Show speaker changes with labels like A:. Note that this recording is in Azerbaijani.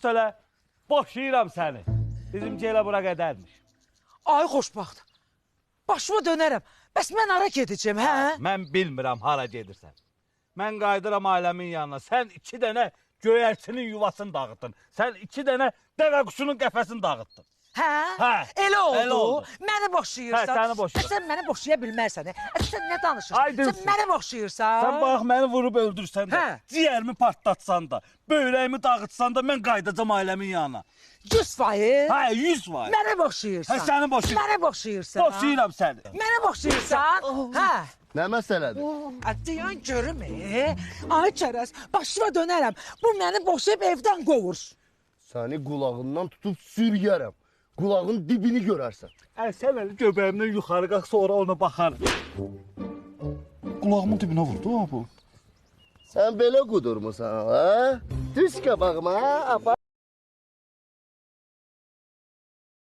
A: Sus elə. Boşayıram səni. Bizimki elə bura qədərmiş.
B: Ay xoşbaxt. Başıma dönərəm. Bəs mən hara gedəcəm, hə?
A: Mən bilmirəm hara gedirsən. Mən qayıdıram ailəmin yanına. Sən 2 dənə göyərçinin yuvasını dağıtdın. Sən 2 dənə dəvə quşunun qəfəsini dağıtdın.
B: Hə?
A: Hə,
B: Elə oldu.
A: elə oldu.
B: Məni boşayırsan.
A: Hə, səni boşayıram.
B: Sən məni boşaya bilmərsən. Sən nə danışırsan?
A: Ay dilsiz.
B: Sən məni boşayırsan.
A: Sən bax məni vurub öldürsən də,
B: Hə.
A: ciyərimi partlatsan da, böyrəyimi dağıtsan da mən qayıdacam ailəmin yanına.
B: 100%.
A: Hə, 100%.
B: Məni boşayırsan.
A: Hə, səni boşayıram.
B: Məni boşayırsan.
A: Boşayıram səni.
B: Məni boşayırsan. Hə.
C: Nə məsələdir?
B: Diyan görüm, ay çərəz, başıma dönərəm. Bu məni boşayıb evdən qovur.
C: Səni qulağından tutub sürüyərəm. Qulağın dibini görərsən.
A: Sən əli göbəyimdən yuxarı qalx, sonra ona baxarım. Qulağımın dibinə vurdu ha bu.
C: Sən belə qudurmusan, ha? Düz qabağıma, apa.